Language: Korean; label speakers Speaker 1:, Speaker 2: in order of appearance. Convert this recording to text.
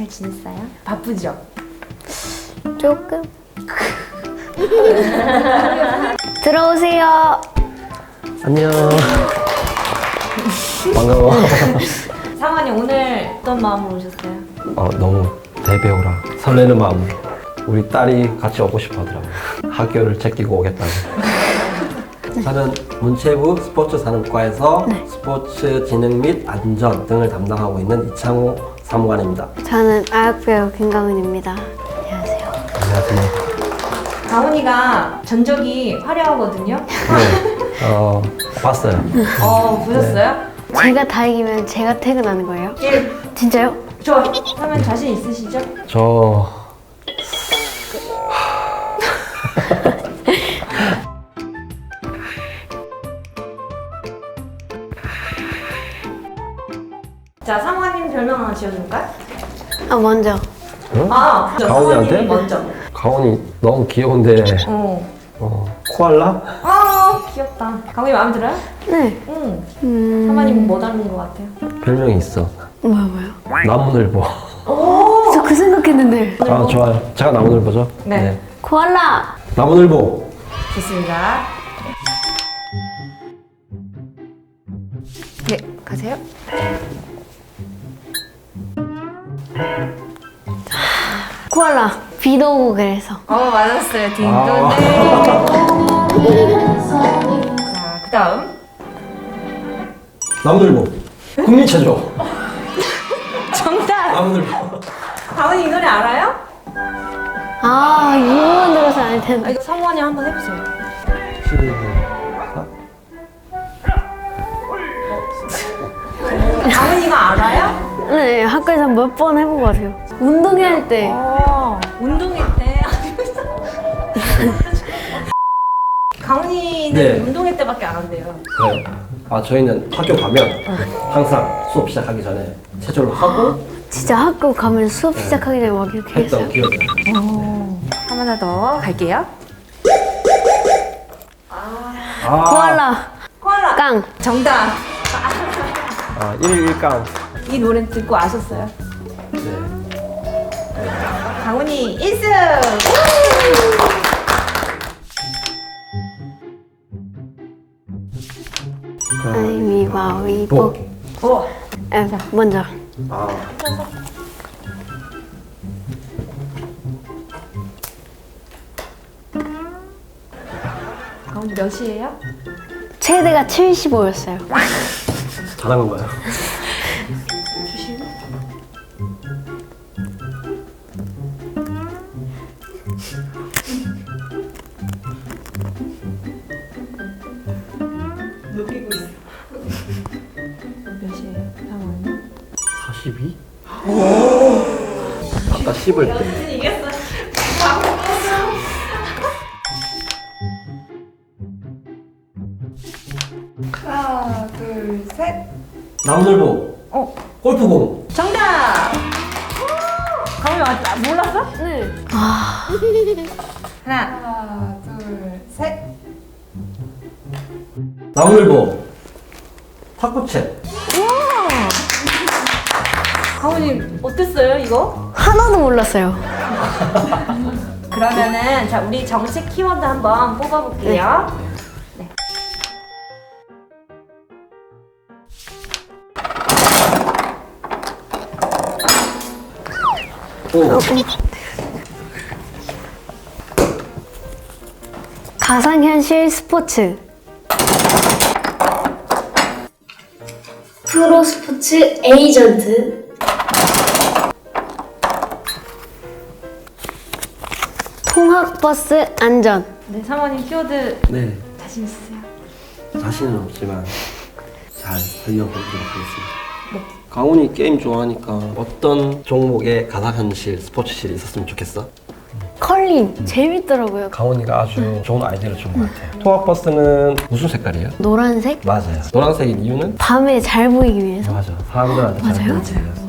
Speaker 1: 잘 지냈어요? 바쁘죠?
Speaker 2: 조금. 들어오세요.
Speaker 3: 안녕. 반가워.
Speaker 1: 상환이 오늘 어떤 마음으로 오셨어요?
Speaker 3: 너무 대배우라 설레는 마음으로 우리 딸이 같이 오고 싶어 하더라고요. 학교를 제끼고 오겠다고. 저는 문체부 스포츠산업과에서 스포츠 진흥 및 안전 등을 담당하고 있는 이창호 사무관입니다.
Speaker 2: 저는 아역배우 김강은입니다. 안녕하세요.
Speaker 3: 안녕하세요.
Speaker 1: 강훈이가 전적이 화려하거든요?
Speaker 3: 네. 봤어요.
Speaker 1: 보셨어요?
Speaker 2: 제가 다 이기면 제가 퇴근하는 거예요?
Speaker 1: 예.
Speaker 2: 진짜요?
Speaker 1: 좋아. 하면 자신 있으시죠?
Speaker 3: 저
Speaker 1: 자, 상환님 별명 하나 지어줄까요?
Speaker 2: 먼저.
Speaker 3: 응?
Speaker 1: 가훈이한테?
Speaker 3: 가훈이한테?
Speaker 1: 먼저.
Speaker 3: 가온이 너무 귀여운데 코알라?
Speaker 1: 귀엽다. 강훈이 마음에 들어요?
Speaker 2: 네.
Speaker 1: 응. 상환님 뭐 닮은 것 같아요?
Speaker 3: 별명이 있어.
Speaker 2: 뭐요?
Speaker 3: 나무늘보.
Speaker 2: 저 그 생각했는데.
Speaker 3: 좋아요. 제가 나무늘보죠?
Speaker 1: 네.
Speaker 2: 코알라.
Speaker 3: 나무늘보.
Speaker 1: 좋습니다. 네, 가세요.
Speaker 2: 코알라. 비도 오고 그래서.
Speaker 1: 맞았어요. 딩동댕. 자, 그 다음.
Speaker 3: 나무늘보. 국민체조.
Speaker 1: 정답!
Speaker 3: 나무늘보.
Speaker 1: 강훈이 이 노래 알아요?
Speaker 2: 이거만 들어서 알 텐데.
Speaker 1: 이거 사모님 한번 해보세요.
Speaker 3: 12분.
Speaker 1: 강훈이가 알아요?
Speaker 2: 네, 학교에서 몇 번 해본 것 같아요. 운동회 때.
Speaker 1: 운동회 때. 강훈이는
Speaker 3: 네.
Speaker 1: 운동회 때밖에 안 한대요.
Speaker 3: 그래요. 저희는 학교 가면 항상 수업 시작하기 전에 체조를 하고
Speaker 2: 진짜 학교 가면 수업 시작하기 전에 막 이렇게 했어요.
Speaker 3: 했던 기억이 나요.
Speaker 1: 하나 더 갈게요.
Speaker 2: 코알라.
Speaker 1: 코알라.
Speaker 2: 깡.
Speaker 1: 정답.
Speaker 3: 1일 1강.
Speaker 1: 이 노래 듣고 아셨어요?
Speaker 3: 네.
Speaker 1: 강훈이 1승!
Speaker 2: 가위바위보.
Speaker 1: 오!
Speaker 2: 먼저.
Speaker 1: 강훈이 몇이에요?
Speaker 2: 최대가 75였어요.
Speaker 3: 잘한 거예요.
Speaker 1: 주시고. 녹이고 있어. 몇이에요, 상훈이?
Speaker 3: 42? 아까 10을 때.
Speaker 1: 이겼어. 하나, 둘, 셋.
Speaker 3: 나무늘보. 골프공.
Speaker 1: 정답! 강훈이 맞다. 몰랐어?
Speaker 2: 네.
Speaker 1: 하나, 둘, 셋.
Speaker 3: 나무늘보. 탁구채.
Speaker 1: 강훈이 어땠어요, 이거?
Speaker 2: 하나도 몰랐어요.
Speaker 1: 그러면은 자 우리 정식 키워드 한번 뽑아볼게요. 네.
Speaker 2: 가상현실 스포츠. 프로 스포츠 에이전트. 통학버스 안전.
Speaker 1: 네, 상원님 키워드
Speaker 3: 네.
Speaker 1: 자신 있으세요?
Speaker 3: 자신은 없지만 잘 설명해보도록 하겠습니다. 강훈이 게임 좋아하니까 어떤 종목의 가상현실 스포츠실이 있었으면 좋겠어?
Speaker 2: 컬링. 재밌더라고요.
Speaker 3: 강훈이가 아주 좋은 아이디어를 준 것 같아요. 통학버스는 무슨 색깔이에요?
Speaker 2: 노란색?
Speaker 3: 맞아요. 노란색인 이유는?
Speaker 2: 밤에 잘 보이기 위해서.
Speaker 3: 맞아. 사람들한테 잘
Speaker 2: 맞아요?
Speaker 3: 보이기 위해서.